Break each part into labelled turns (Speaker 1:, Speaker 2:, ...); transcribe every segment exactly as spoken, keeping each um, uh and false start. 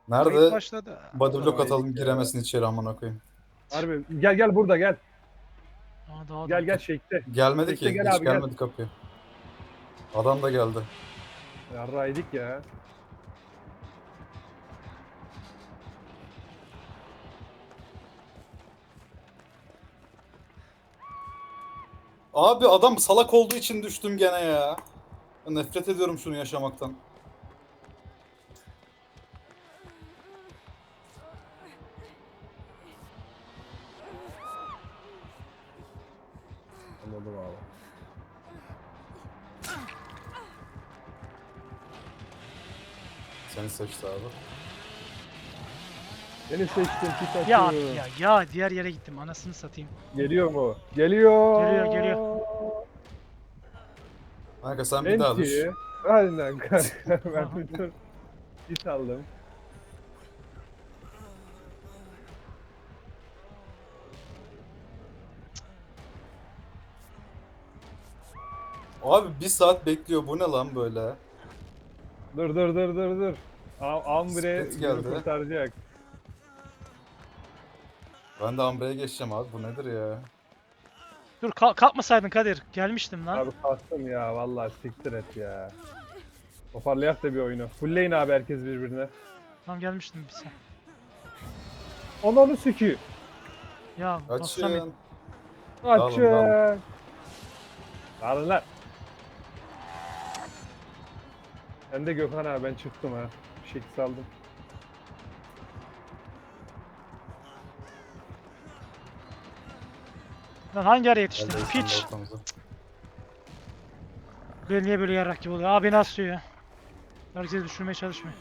Speaker 1: Kayıt
Speaker 2: Nerede?
Speaker 1: başladı.
Speaker 2: Body block
Speaker 3: Haydi
Speaker 2: atalım
Speaker 3: ya.
Speaker 2: giremesin içeri amına koyayım.
Speaker 3: Harbi gel gel burada gel.
Speaker 1: Aa, daha
Speaker 3: Gel
Speaker 1: da.
Speaker 3: gel Shake'te.
Speaker 2: Gelmedi
Speaker 3: Shake'te
Speaker 2: ki.
Speaker 3: gel
Speaker 2: Hiç
Speaker 3: abi gel.
Speaker 2: gelmedi kapıya. Adam da geldi.
Speaker 3: Yarraydık ya.
Speaker 2: Abi adam salak olduğu için düştüm gene ya. Nefret ediyorum şunu yaşamaktan.
Speaker 3: Anladım abi.
Speaker 2: Seni seçti abi.
Speaker 3: Beni seçtim pik
Speaker 1: Ya
Speaker 3: atıyor.
Speaker 1: ya ya diğer yere gittim. Anasını satayım.
Speaker 3: Geliyor mu? Geliyor.
Speaker 1: Geliyor, geliyor.
Speaker 2: Kanka sen bir daha düş.
Speaker 3: Enti. Aynen kanka. Ben
Speaker 1: Aha.
Speaker 3: bir dur. Git aldım.
Speaker 2: Abi bir saat bekliyor. Bu ne lan böyle?
Speaker 3: Dur dur dur dur dur. Am Ambre
Speaker 2: Split
Speaker 3: günü
Speaker 2: geldi.
Speaker 3: kurtaracak.
Speaker 2: Ben de Ambre'ye geçeceğim abi. Bu nedir ya?
Speaker 1: Dur kalk kalkmasaydın Kadir. Gelmiştim lan.
Speaker 3: Abi kalktım ya vallahi siktir et ya. Toparlayak da bir oyunu. Fullleyin abi herkes birbirine.
Speaker 1: Tam gelmiştim bir sen.
Speaker 3: Ananı sikeyim.
Speaker 1: Ya bassam
Speaker 2: Açın.
Speaker 3: Açın.
Speaker 2: dağılın.
Speaker 3: Alın lan. Ben de Gökhan abi ben çıktım ha. Bir şey saldım.
Speaker 1: lan hangi ara yetiştin?
Speaker 2: Geldi sen de
Speaker 1: Piç.
Speaker 2: ortamıza.
Speaker 1: Böyle niye böyle yarrak gibi oluyor? Abi nasıl ya? Herkes düşürmeye çalışmıyor.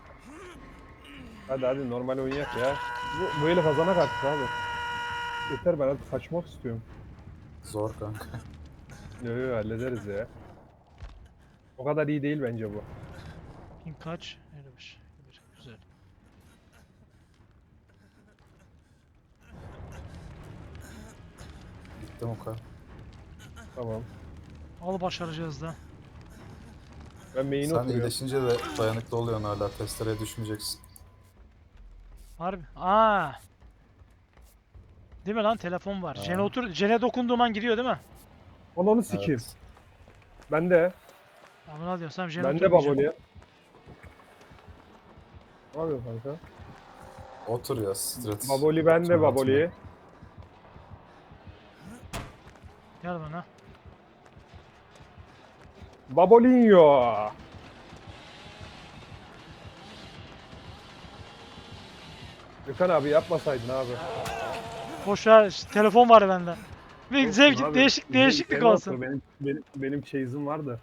Speaker 3: Hadi hadi normal oynayak ya. Bu, bu eli kazanak artık abi. Yeter ben artık kaçmak istiyorum.
Speaker 2: Zor kanka.
Speaker 3: Yo yo hallederiz ya. O kadar iyi değil bence bu.
Speaker 1: Ping kaç? elli beş. Güzel.
Speaker 2: Gittim o kadar.
Speaker 3: Tamam.
Speaker 1: Al başaracağız da.
Speaker 3: Ben main'i
Speaker 2: Sen
Speaker 3: oturuyorum.
Speaker 2: iyileşince de dayanıklı oluyorsun hala. Testereye düşmeyeceksin.
Speaker 1: Harbi. Aa. Değil mi lan telefon var.
Speaker 2: Ha.
Speaker 1: Jene otur. Jene dokunduğum an gidiyor değil mi?
Speaker 3: Ananı sikeyim.
Speaker 2: Evet.
Speaker 3: Ben de.
Speaker 1: Abi ne diyorsun? Sen Jene
Speaker 3: Ben de
Speaker 1: oturmayacak.
Speaker 3: baboli. Ne yapıyorsun kanka?
Speaker 2: Otur ya strat.
Speaker 3: Baboli ben de
Speaker 2: Atma,
Speaker 3: baboli.
Speaker 2: atma.
Speaker 1: Gel bana.
Speaker 3: Babolinho. Gökhan abi yapmasaydın abi.
Speaker 1: Boş ver. ş- Telefon var bende. Bir
Speaker 3: Olsun
Speaker 1: zevk
Speaker 3: abi.
Speaker 1: değişik
Speaker 3: Benim-
Speaker 1: değişiklik
Speaker 3: benim
Speaker 1: olsun.
Speaker 3: Benim benim benim chase'im vardı.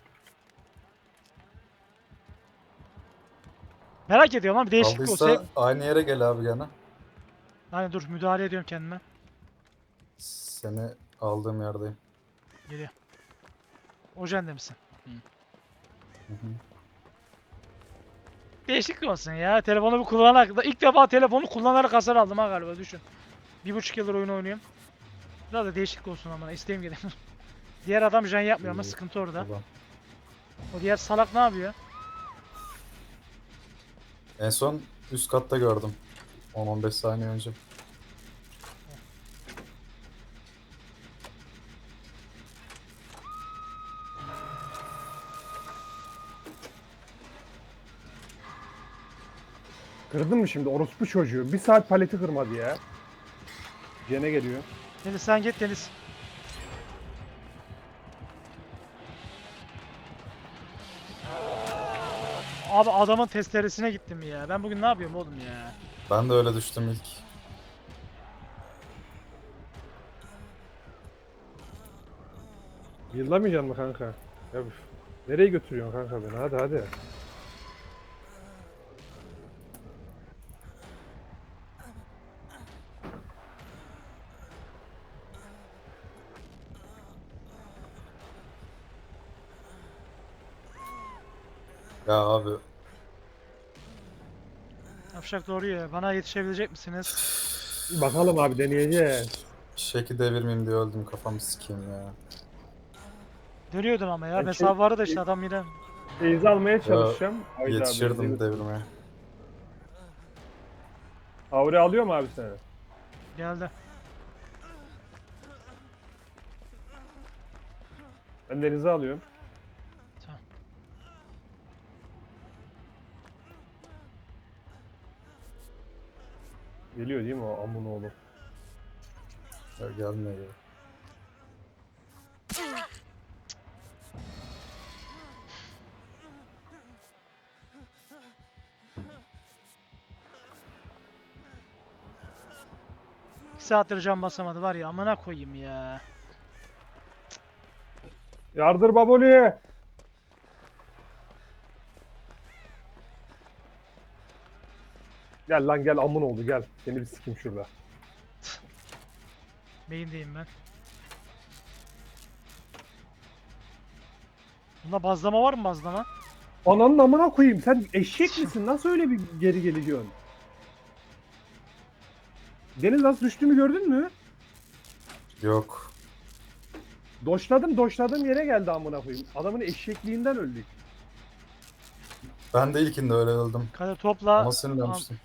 Speaker 1: Merak ediyorum lan bir değişiklik olsa.
Speaker 2: Kaldıysa aynı yere gel abi gene.
Speaker 1: Hani dur müdahale ediyorum kendime.
Speaker 2: Seni aldığım yerdeyim.
Speaker 1: Geliyor. O jende misin?
Speaker 2: Hı hı.
Speaker 1: Değişiklik olsun ya. Telefonu bir kullanarak. İlk defa telefonu kullanarak hasar aldım ha galiba düşün. Bir buçuk yıldır oyun oynuyorum. Biraz da değişiklik olsun ama isteğim geliyor. Diğer adam jen yapmıyor ama
Speaker 2: İyi,
Speaker 1: sıkıntı orada.
Speaker 2: Tamam.
Speaker 1: O diğer salak ne yapıyor?
Speaker 2: En son üst katta gördüm. on on beş saniye önce.
Speaker 3: Kırdın mı şimdi orospu çocuğu? Bir saat paleti kırmadı ya. Gene geliyor.
Speaker 1: Deniz sen git Deniz. Abi adamın testeresine gittim ya. Ben bugün ne yapıyorum oğlum ya?
Speaker 2: Ben de öyle düştüm ilk.
Speaker 3: Yıllamayacaksın mı kanka? Ya üf. Nereye götürüyorsun kanka beni? Hadi hadi.
Speaker 2: Ya abi
Speaker 1: Yapacak doğru ya. Bana yetişebilecek misiniz?
Speaker 3: Bakalım abi deneyeceğiz.
Speaker 2: şeki devirmeyeyim diye öldüm, kafamı sikeyim ya.
Speaker 1: Dönüyordum ama ya.
Speaker 3: Ben
Speaker 1: Mesafe
Speaker 3: şey-
Speaker 1: vardı da işte adam yine.
Speaker 3: Beyzi almaya çalışacağım. Hayda,
Speaker 2: Yetişirdim
Speaker 3: Beyzi'yi-
Speaker 2: devirmeye.
Speaker 3: Aure alıyor mu abi seni?
Speaker 1: Geldi.
Speaker 3: Ben denize alıyorum.
Speaker 1: Tamam.
Speaker 3: Geliyor değil mi o amın oğlu?
Speaker 2: Ya gelmiyor ya.
Speaker 1: İki saattir can basamadı var ya, amına koyayım ya.
Speaker 3: Yardır baboli. Gel lan gel amın oldu gel. Seni bir sikim şurada.
Speaker 1: Beyindeyim ben. Bunda bazlama var mı, bazlama?
Speaker 3: Ananın amına koyayım sen eşek misin? Nasıl öyle bir geri geliyorsun? Deniz nasıl düştüğümü gördün mü?
Speaker 2: Yok.
Speaker 3: Doşladım doşladığım yere geldi amına koyayım. Adamın eşekliğinden öldük.
Speaker 2: Ben de ilkinde öyle öldüm.
Speaker 1: Kadir topla.
Speaker 2: Ama sinirlenmiştim.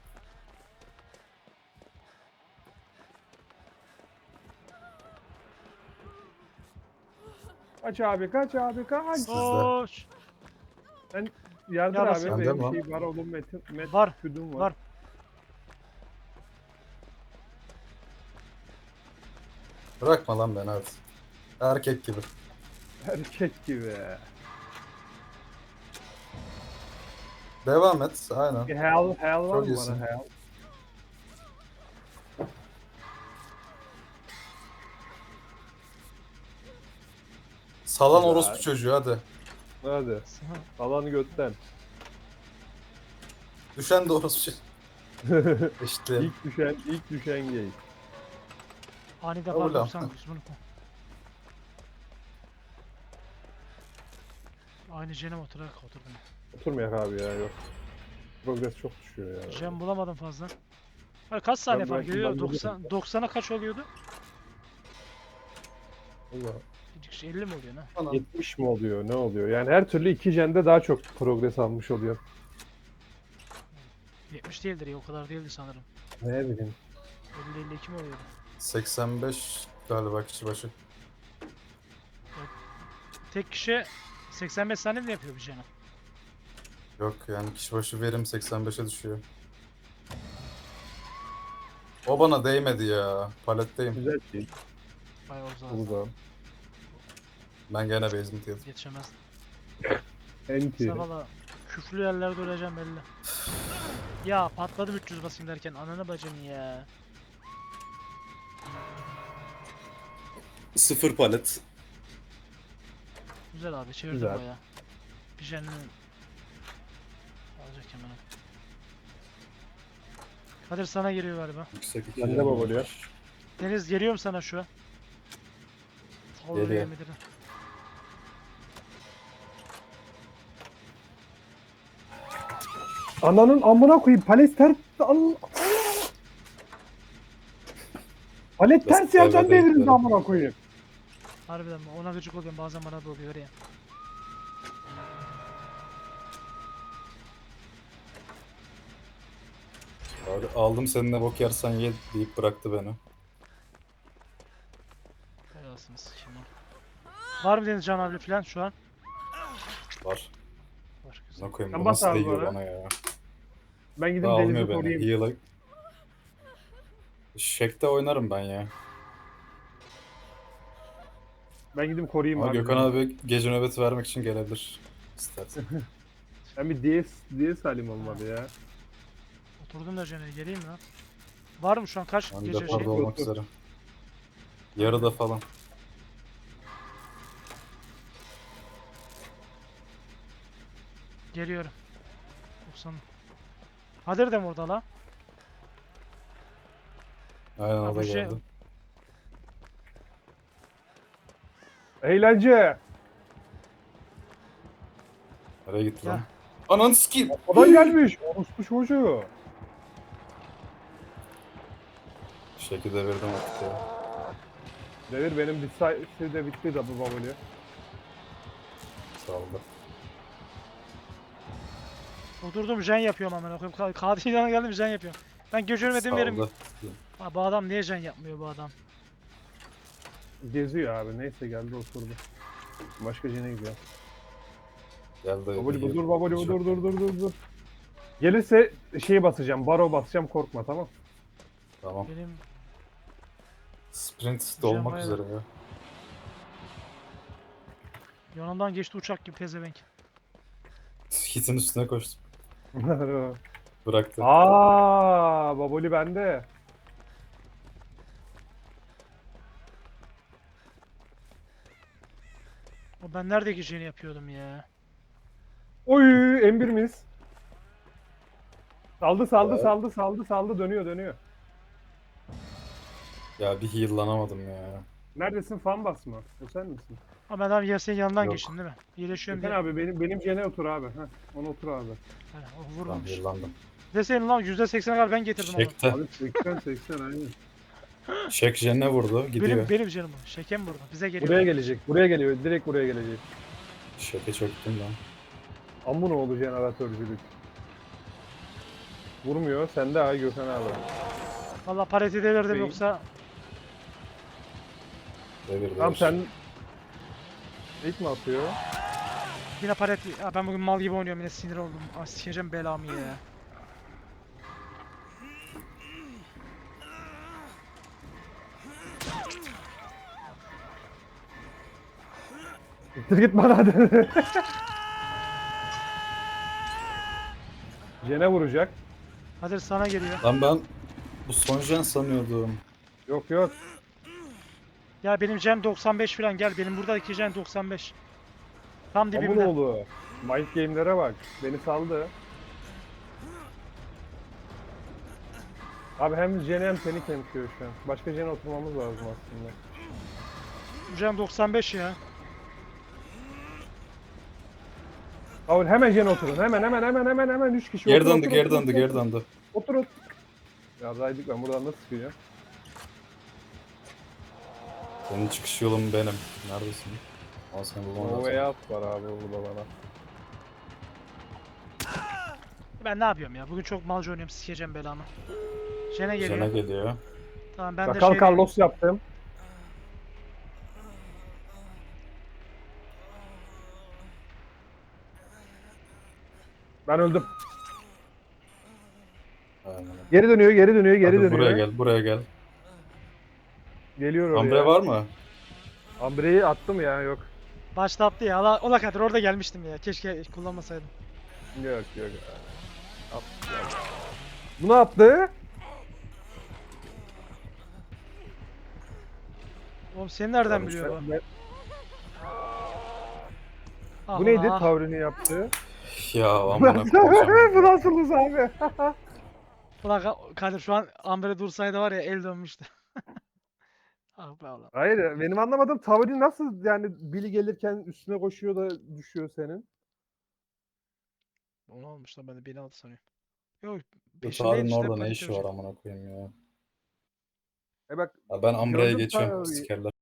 Speaker 3: Kaç abi kaç abi kaç.
Speaker 2: Sizde.
Speaker 1: Koş.
Speaker 3: Yardır
Speaker 1: Ya
Speaker 3: abi
Speaker 1: basın.
Speaker 2: Bende
Speaker 3: benim
Speaker 2: mi?
Speaker 3: şey var oğlum metin met
Speaker 1: Var,
Speaker 3: küdüm var.
Speaker 1: var.
Speaker 2: Bırakma lan beni hadi. Erkek gibi.
Speaker 3: Erkek gibi.
Speaker 2: Devam et. Aynen.
Speaker 3: Bir hell hell var
Speaker 2: Çok
Speaker 3: mı
Speaker 2: iyisin.
Speaker 3: bana hell?
Speaker 2: Salan
Speaker 3: Güzel.
Speaker 2: orospu çocuğu hadi.
Speaker 3: Hadi. Alanı götten.
Speaker 2: Düşen de orospu çocuğu. İşte.
Speaker 3: ilk düşen ilk düşen gay.
Speaker 1: Ani defa
Speaker 2: Oğlum.
Speaker 1: doksan dokuz bunu koy. Aynı jene oturarak oturdum.
Speaker 3: Oturmayak abi ya yok. Progress çok düşüyor ya.
Speaker 1: Jen bulamadım fazla. Hayır, kaç saniye
Speaker 3: Ben
Speaker 1: fark
Speaker 3: belki
Speaker 1: ediyor?
Speaker 3: ben
Speaker 1: doksan doksana kaç oluyordu?
Speaker 2: Allah.
Speaker 1: elli mi oluyor ne?
Speaker 2: Anam.
Speaker 3: yetmiş mi oluyor ne oluyor? Yani her türlü iki jende daha çok progress almış oluyor.
Speaker 1: yetmiş değildir ya, o kadar değildi sanırım.
Speaker 3: Ne bileyim.
Speaker 1: elli elli iki mi oluyordu?
Speaker 2: seksen beş galiba kişi başı.
Speaker 1: Tek kişi seksen beş saniye mi yapıyor bir jene?
Speaker 2: Yok yani kişi başı verim seksen beşe düşüyor. O bana değmedi ya. Paletteyim.
Speaker 3: Güzel şey.
Speaker 1: Bayağı uzak.
Speaker 3: Bu da.
Speaker 2: Ben gene basement yedim.
Speaker 1: Yetişemez.
Speaker 3: Enti.
Speaker 1: Sen valla küflü yerlerde öleceğim belli. Ya patladım üç yüz basayım derken, ananı bacını ya.
Speaker 2: Sıfır palet.
Speaker 1: Güzel abi, çevirdim
Speaker 3: Güzel.
Speaker 1: bayağı. Bir jenini alacak hemen. Kadir sana geliyor galiba.
Speaker 2: Yüksek iki.
Speaker 3: Bende baboluyor.
Speaker 1: Deniz geliyorum sana şu an. Olur
Speaker 2: Geliyor.
Speaker 1: yemin ederim.
Speaker 3: Ananın amına koyayım palet ters al. Palet ters
Speaker 2: Basit
Speaker 3: yerden
Speaker 2: yerlerde
Speaker 3: devirildi
Speaker 2: yüklerim.
Speaker 3: amına koyayım.
Speaker 1: Harbiden mi? Ona gıcık oluyorum, bazen bana da oluyor ya.
Speaker 2: Abi aldım seninle bok yersen ye deyip bıraktı beni.
Speaker 1: Helalsiniz şimdi. Var mı Deniz Can abi falan şu an?
Speaker 2: Var.
Speaker 1: Var, güzel.
Speaker 2: Ne koyayım
Speaker 3: Sen
Speaker 2: bu
Speaker 3: bas
Speaker 2: nasıl
Speaker 3: abi
Speaker 2: değiyor
Speaker 3: bana.
Speaker 2: bana ya.
Speaker 3: Ben gidip
Speaker 2: Daha
Speaker 3: denizi
Speaker 2: almıyor beni.
Speaker 3: koruyayım.
Speaker 2: Heal'a. Şekte oynarım ben ya.
Speaker 3: Ben gidip koruyayım
Speaker 2: Ama
Speaker 3: abi.
Speaker 2: Gökhan abi gece nöbeti vermek için gelebilir. İstersen.
Speaker 3: Ben bir D S D S halim olmadı ya.
Speaker 1: Oturdum da jene geleyim mi lan? Var mı şu an kaç
Speaker 2: Ben
Speaker 1: gece
Speaker 2: de
Speaker 1: şey?
Speaker 2: parda olmak üzere. Yarıda falan.
Speaker 1: Geliyorum. doksan. Kadir de mi orada la?
Speaker 2: Aynen
Speaker 1: Ha,
Speaker 2: o da
Speaker 1: bu şey-
Speaker 2: geldi.
Speaker 3: Eğlence.
Speaker 2: Nereye gitti
Speaker 1: Ya.
Speaker 2: lan? Ananı sikeyim.
Speaker 3: Adam gelmiş. Orospu çocuğu.
Speaker 2: Şekilde devirdim artık ya.
Speaker 3: Devir benim bir de bitti de bu babulü.
Speaker 2: Saldı.
Speaker 1: Oturdum jen yapıyorum amına koyayım. Ka- Kadir'den geldim jen yapıyorum. Ben göçürmedim yerim.
Speaker 2: Saldı.
Speaker 1: Ha, bu adam niye can yapmıyor bu adam?
Speaker 3: Geziyor abi. Neyse geldi oturdu. Başka jene gidiyor.
Speaker 2: Geldi.
Speaker 3: Baboli bu dur baboli bu dur dur dur dur dur. Gelirse şeyi basacağım. Baro basacağım korkma tamam.
Speaker 2: Tamam.
Speaker 1: Benim
Speaker 2: Sprint de olmak
Speaker 1: Jamaica.
Speaker 2: üzere ya.
Speaker 1: yanımdan geçti uçak gibi pezevenk.
Speaker 2: Hit'in üstüne koştum. Bıraktı.
Speaker 3: Aa, baboli bende.
Speaker 1: O ben nerede geçeni yapıyordum ya?
Speaker 3: Oy, M bir miyiz? Saldı saldı
Speaker 2: Evet.
Speaker 3: saldı saldı saldı dönüyor dönüyor.
Speaker 2: Ya bir heal'lanamadım ya.
Speaker 3: Neredesin fan basma? O sen misin?
Speaker 1: Ama ben abi ya senin yanından
Speaker 2: Yok.
Speaker 1: geçtim değil mi? İyileşiyorum
Speaker 3: Sen
Speaker 1: diye.
Speaker 3: abi benim benim jene otur abi. Heh, ona otur abi.
Speaker 1: He, o
Speaker 2: Tamam
Speaker 1: vurmamış.
Speaker 2: heal'landım.
Speaker 1: Deseydin lan yüzde seksene kadar ben getirdim onu.
Speaker 2: Şek'te.
Speaker 3: Abi seksen seksen aynen.
Speaker 2: Şek Jen'e vurdu. Gidiyor.
Speaker 1: Benim, benim canım o. Şekem burada. Bize geliyor.
Speaker 3: Buraya gelecek. Buraya geliyor. Direkt buraya gelecek.
Speaker 2: Şek'e çöktüm ben.
Speaker 3: Amın oğlu jeneratörcülük. Vurmuyor. Sende ha Gökhan abi.
Speaker 1: Valla pareti delirdim
Speaker 3: Beyin.
Speaker 1: yoksa
Speaker 2: Devir devir.
Speaker 3: Tamam sen... İlk mi atıyor?
Speaker 1: yine pareti. Ya ben bugün mal gibi oynuyorum yine sinir oldum. Aa, sikeceğim belamı ya.
Speaker 3: Gittir git bana hadi. Jene vuracak.
Speaker 1: Hadi sana geliyor.
Speaker 2: Lan ben bu son Jen sanıyordum.
Speaker 3: Yok yok.
Speaker 1: Ya benim Gen doksan beş falan gel. Benim buradaki Gen doksan beş. Tam
Speaker 3: Amın
Speaker 1: dibimde.
Speaker 3: oğlu. Mind game'lere bak. Beni saldı. Abi hem Jene hem seni kemkiyor şu an. Başka Jene oturmamız lazım aslında.
Speaker 1: Gen doksan beş ya.
Speaker 3: Abi hemen Jene oturun. Hemen hemen hemen hemen hemen üç kişi.
Speaker 2: Geri
Speaker 3: Otur,
Speaker 2: döndü
Speaker 3: otur,
Speaker 2: geri
Speaker 3: otur,
Speaker 2: döndü
Speaker 3: otur,
Speaker 2: geri
Speaker 3: otur.
Speaker 2: döndü.
Speaker 3: Otur otur. Ya Zaydik ben buradan nasıl çıkacağım?
Speaker 2: Senin çıkış yolun benim. Neredesin? Al seni bulmam
Speaker 3: O
Speaker 2: lazım.
Speaker 3: way var abi burada bana.
Speaker 1: Ben ne yapıyorum ya? Bugün çok malca oynuyorum. Sikeceğim belamı. Jen'e geliyor.
Speaker 2: Jen'e geliyor.
Speaker 1: Tamam ben de
Speaker 3: Sakal
Speaker 1: şey
Speaker 3: Carlos yaptım. Ben öldüm.
Speaker 2: Aynen.
Speaker 3: Geri dönüyor, geri dönüyor, geri
Speaker 2: Hadi
Speaker 3: dönüyor.
Speaker 2: buraya gel buraya gel.
Speaker 3: Geliyor oraya.
Speaker 2: Ambre var mı?
Speaker 3: Ambre'yi attım ya, yok.
Speaker 1: başlattı ya. Allah, ola kadar orada gelmiştim ya. Keşke kullanmasaydım.
Speaker 3: Yok yok. At, ya. Bu ne yaptı?
Speaker 1: Oğlum seni nereden
Speaker 2: Abi
Speaker 1: biliyor bu?
Speaker 3: Ben-
Speaker 1: Ah
Speaker 3: Bu neydi?
Speaker 1: ulan, ah.
Speaker 3: Tavrını yaptı.
Speaker 2: Ya amına koyacağım.
Speaker 3: Bu nasılız abi?
Speaker 1: Ulan Ka- Kadir şu an Amber'e dursaydı var ya el dönmüştü. Ah be ulan.
Speaker 3: Hayır, benim anlamadığım tavrı nasıl yani Billy gelirken üstüne koşuyor da düşüyor senin.
Speaker 1: O ne olmuş lan ben de beni aldı sanıyorum. Yok
Speaker 2: Bu
Speaker 1: peşindeydi
Speaker 2: Tarık'ın
Speaker 1: işte
Speaker 2: orada ne
Speaker 1: panik
Speaker 2: işi var
Speaker 1: yapacak.
Speaker 2: amına koyayım ya.
Speaker 3: E bak
Speaker 2: Ya ben Ambre'ye
Speaker 3: Gördüm
Speaker 2: geçiyorum.
Speaker 3: Tarık'ı.
Speaker 2: Sikerler.